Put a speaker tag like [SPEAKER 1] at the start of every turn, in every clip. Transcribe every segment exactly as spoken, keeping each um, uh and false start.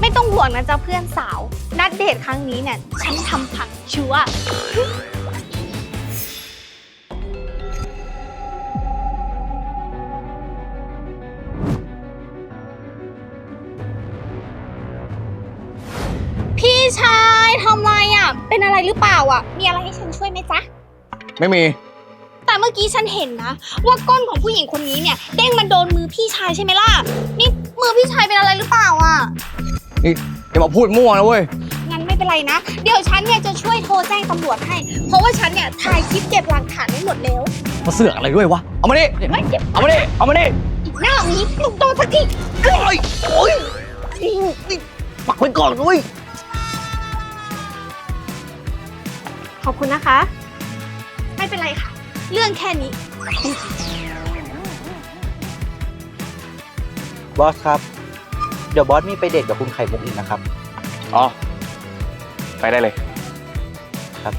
[SPEAKER 1] ไม่ต้องห่วงนะจ๊ะเพื่อนสาวนัดเดทครั้งนี้เนี่ยฉันทำผักชัวร์พี่ชายทำไรอ่ะเป็นอะไรหรือเปล่าอ่ะมีอะไรให้ฉันช่วยไหมจ๊ะ
[SPEAKER 2] ไม่มี
[SPEAKER 1] แต่เมื่อกี้ฉันเห็นนะว่าก้นของผู้หญิงคนนี้เนี่ยเด้งมาโดนมือพี่ชายใช่ไหมล่ะนี่มือพี่ชายเป็นอะไรหรือเปล่าอ่ะ
[SPEAKER 2] นี่อย่ามาพูดมั่วนะเว้ย
[SPEAKER 1] งั้นไม่เป็นไรนะเดี๋ยวฉันเนี่ยจะช่วยโทรแจ้งตำรวจให้เพราะว่าฉันเนี่ยถ่ายคลิปเก็บหลักฐานไว้หมดแล้ว
[SPEAKER 2] มาเสือกอะไรด้วยวะเอามาดิเอามาดิเอามาดิ
[SPEAKER 1] อีกหน้านี้หนุ่มโตสักที
[SPEAKER 2] โอ้ยโอ้ยปักไว้ก่อนด้วย
[SPEAKER 1] ขอบคุณนะคะไม่เป็นไรค่ะเรื่องแค่นี้
[SPEAKER 3] บอสครับเดี๋ยวบอสมีไปเดทกับคุณไข่มุกอีกนะครับ
[SPEAKER 2] อ๋อไปได้เลย
[SPEAKER 3] ครับ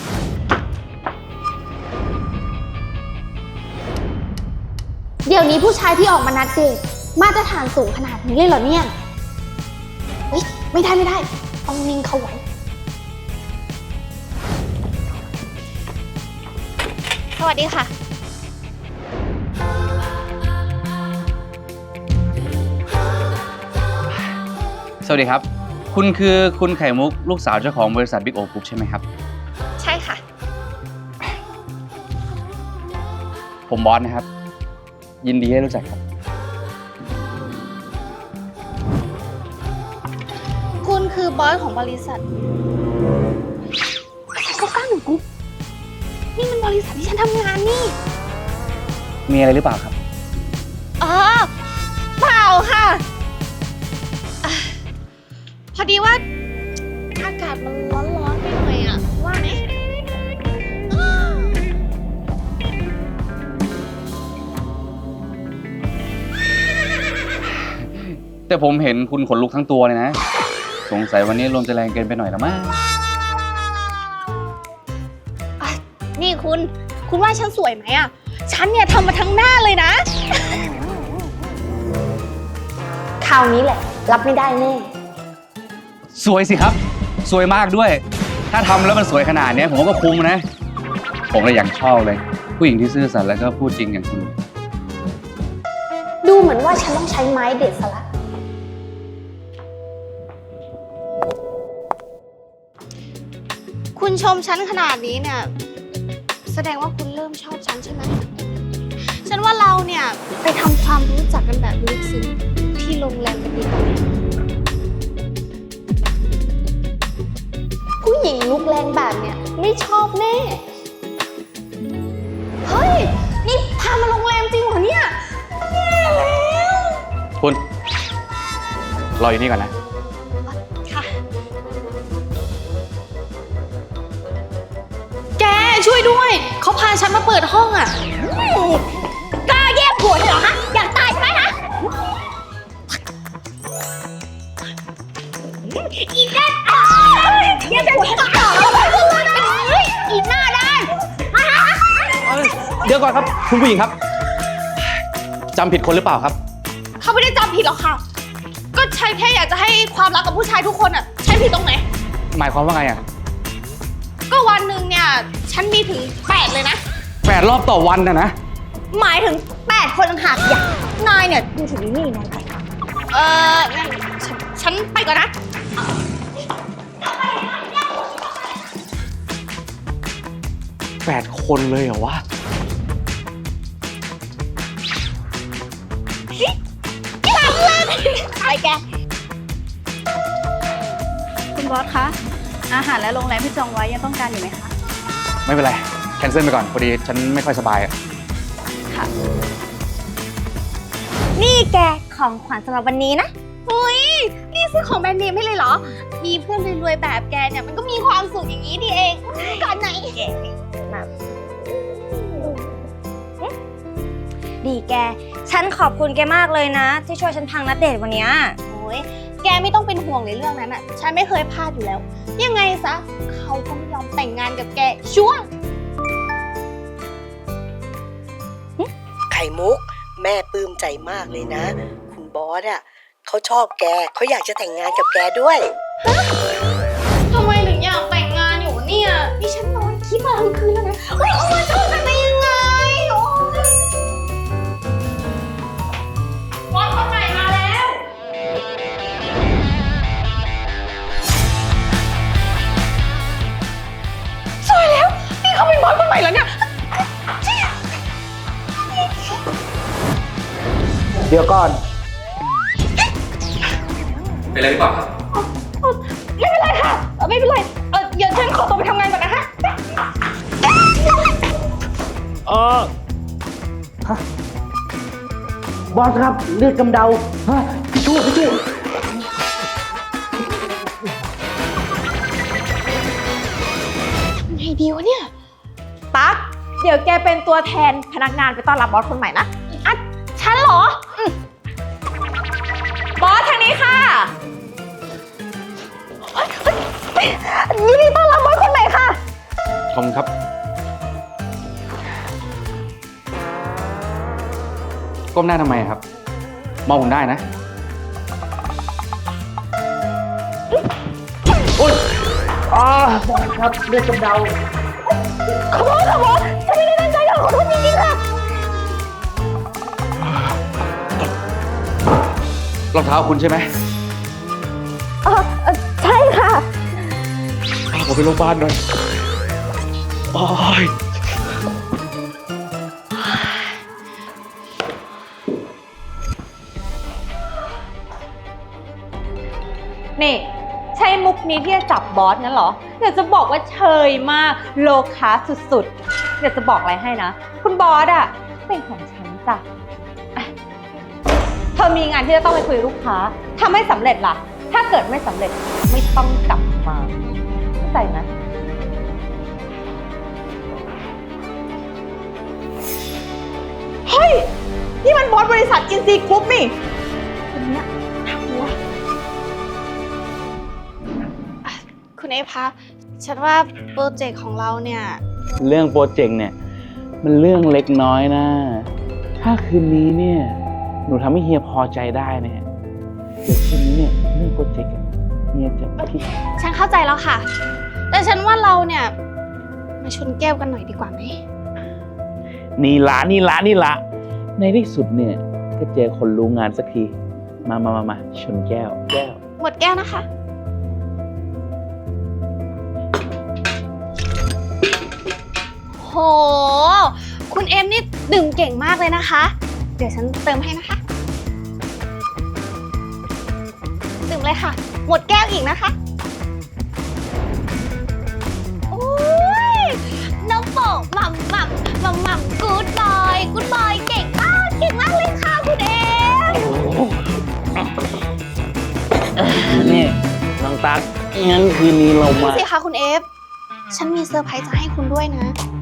[SPEAKER 1] เดี๋ยวนี้ผู้ชายที่ออกมานัดเดทมาตรฐานสูงขนาดนี้เลยเหรอเนี่ยเฮ้ยไม่ได้ไม่ได้ต้องนิ่งเขาไว้สวัสดีค่ะ
[SPEAKER 4] สวัสดีครับคุณคือคุณไข่มุกลูกสาวเจ้าของบริษัทบิ๊กโอกรุ๊ปใช่ไหมครับ
[SPEAKER 1] ใช่ค่ะ
[SPEAKER 4] ผมบอสนะครับยินดีให้รู้จักครับ
[SPEAKER 1] คุณคือบอสของบริษัทเก้าเก้าหนึ่งกรุ๊ปนี่มันบริษัทที่ฉันทำงานนี่
[SPEAKER 4] มีอะไรหรือเปล่าครับ
[SPEAKER 1] อ๋อเปล่าค่ะพอดีว่าอากาศมันร้อนๆไปหน่อยอะว่าไหม
[SPEAKER 4] แต่ผมเห็นคุณขนลุกทั้งตัวเลยนะสงสัยวันนี้ลมจะแรงเกินไปหน่อยละมั้ง
[SPEAKER 1] นี่คุณคุณว่าฉันสวยไหมอะฉันเนี่ยทำมาทั้งหน้าเลยนะคราวนี้แหละรับไม่ได้แน่
[SPEAKER 4] สวยสิครับสวยมากด้วยถ้าทำแล้วมันสวยขนาดนี้ผมก็คุ้มนะผมเลยอยากชอบเลยผู้หญิงที่ซื่อสัตย์แล้วก็พูดจริงอย่างคุณ
[SPEAKER 1] ดูเหมือนว่าฉันต้องใช้ไม้เด็ดซะละคุณชมฉันขนาดนี้เนี่ยแสดงว่าคุณเริ่มชอบฉันใช่ไหมฉันว่าเราเนี่ยไปทำความรู้จักกันแบบลึกซึ้งที่โรงแรมกันดีกว่าผู้หญิงลุกแรงแบบเนี้ยไม่ชอบแน่เฮ้ยนี่พามาโรงแรมจริงเหรอเนี่ยแย่แล้ว
[SPEAKER 4] คุณรออยู่นี่ก่อนนะ
[SPEAKER 1] ค่ะแกช่วยด้วยเขาพาฉันมาเปิดห้องอ่ะกล้าแยกผัวเลยเหรอฮะอยากตายใช่ไหมฮะอีแน่แยกผัวต่ออีหน้าด้าน
[SPEAKER 4] เดี๋ยวก่อนครับคุณผู้หญิงครับจำผิดคนหรือเปล่าครับ
[SPEAKER 1] เขาไม่ได้จำผิดหรอกค่ะก็ฉันแค่อยากจะให้ความรักกับผู้ชายทุกคนอ่ะฉันผิดตรงไหน
[SPEAKER 4] หมายความว่าไงอ่ะ
[SPEAKER 1] ก็วันหนึ่งเนี่ยฉันมีถึงแปดเลยนะ
[SPEAKER 4] แปดรอบต่อวันนะนะ
[SPEAKER 1] หมายถึงแปดคนต่างหากอย่างนายเนี่ยดูถึงนี่นายไปเอองั้นฉันฉันไปก่อนนะ
[SPEAKER 4] แปดคนเลยเหรอวะ
[SPEAKER 1] ไปแก
[SPEAKER 5] คุณบอสคะอาหารและโรงแรมที่จองไว้ยังต้องการอยู่ไหมคะ
[SPEAKER 4] ไม่เป็นไรแคนเซิลไปก่อนพอดีฉันไม่ค่อยสบายอ่ะ
[SPEAKER 5] ค่ะ
[SPEAKER 1] นี่แกของขวัญสำหรับวันนี้นะอุ้ยนี่ซื้อของแบรนด์เนมให้เลยเหรอมีเพื่อนรวยๆแบบแกเนี่ยมันก็มีความสุขอย่างนี้ดีเองก่อนไหนแกแบบ
[SPEAKER 5] ดีแกฉันขอบคุณแกมากเลยนะที่ช่วยฉันพังนัดเดทวันนี้
[SPEAKER 1] โอ้ยแกไม่ต้องเป็นห่วงในเรื่องนั้นอ่ะฉันไม่เคยพลาดอยู่แล้วยังไงซะเขาก็ไม่ยอมแต่งงานกับแกชัวร์
[SPEAKER 6] ไข่มุกแม่ปลื้มใจมากเลยนะคุณบอสอ่ะเขา
[SPEAKER 2] เขาชอบแกเขาอยากจะแต่งงานกับแกด้วย
[SPEAKER 1] ทำไมถึงอยากแต่งงานอยู่เนี่ยนี่ฉันนอนคิดมาทั้งคืนแล้วนะเฮ้ยเอามาชอบกันได้ยังไงโอ๊ยบอสคนใหม่มาแล้ว สวยแล้ว นี่เขาเป็นบอสคนใหม่แล้วเนี่ย
[SPEAKER 3] เดี๋ยวก่อน
[SPEAKER 4] เป็นอะไรหรือเปล่าครับ
[SPEAKER 1] ไม่เป็นไรค่ะเอ่อไม่เป็นไร เออเดี๋ยวฉันขอตัวไปทำงานก่อนนะคะ
[SPEAKER 3] เออฮะบอสครับเลือดกำเดาฮะพี่ชูพี่ชู
[SPEAKER 1] ไงดีวะเนี่ย
[SPEAKER 6] ตั๊กเดี๋ยวแกเป็นตัวแทนพนักงานไปต้อนรับบอสคนใหม่นะ
[SPEAKER 1] อ่ะ ฉันเหรอ
[SPEAKER 6] บอสทางนี้ค่ะ
[SPEAKER 1] ยินดีต้อนรับบอสคนใหม่ค่ะ
[SPEAKER 4] ชมครับ ก้มหน้าทำไมครับ มองผมได้นะ โอ๊ย
[SPEAKER 3] อ๋อบอสครับเลือดกำเดา
[SPEAKER 1] ขอโทษค่ะบอสฉันไม่ได้ตั้งใจค่ะขอโทษจริงๆค่ะ
[SPEAKER 4] รองเท้าคุณใช่ไหม
[SPEAKER 1] เออเอ่อใช่ค่ะ
[SPEAKER 4] พาผมไปโรงพยาบาลหน่อยโอ้ย
[SPEAKER 6] นี่ใช่มุกนี้ที่จะจับบอสงั้นเหรออยากจะบอกว่าเชยมากโลคาสุดๆอยากจะบอกอะไรให้นะ คุณบอสอะเป็นของฉันจ้ะอ่ะเธอมีงานที่จะต้องไปคุยกับลูกค้าถ้าไม่สำเร็จล่ะ ถ้าเกิดไม่สำเร็จไม่ต้องกลับมาเข้าใจไหม เฮ้ย นี่มันบอสบริษัทอินซีกรุ๊ปนี่คนเนี้ยน่ากลัว
[SPEAKER 1] คุณเอฟคะฉันว่าโปรเจกต์ของเราเนี่ย
[SPEAKER 7] เรื่องโปรเจกต์เนี่ย มันเรื่องเล็กน้อยนะ ถ้าคืนนี้เนี่ย หนูทำให้เฮียพอใจได้เนี่ย เดี๋ยวคืนนี้เนี่ยเรื่องโปรเจกต์อะเฮียจะคิด
[SPEAKER 1] ฉันเข้าใจแล้วค่ะ แต่ฉันว่าเราเนี่ย มาชนแก้วกันหน่อยดีกว่าไหม
[SPEAKER 7] นี่ละนี่ละนี่ละในที่สุดเนี่ย ก็เจอคนรู้งานสักที มามามามาชนแก้ว แก้ว
[SPEAKER 1] หมดแก้วนะคะ โห คุณเอ็มนี่ดื่มเก่งมากเลยนะคะ เดี๋ยวฉันเติมให้นะคะ ดื่มเลยค่ะ หมดแก้วอีกนะคะ โอ้ย น้องโปะหม่ำหม่ำหม่ำหม่ำกู๊ดบอยกู๊ดบอยเก่งมากเก่งมากเลยค่ะคุณเอ็ม
[SPEAKER 7] นี่น้องตั๊กงั้นคืนนี้เรามา
[SPEAKER 1] สิคะคุณเอฟ ฉันมีเซอร์ไพรส์จะให้คุณด้วยนะ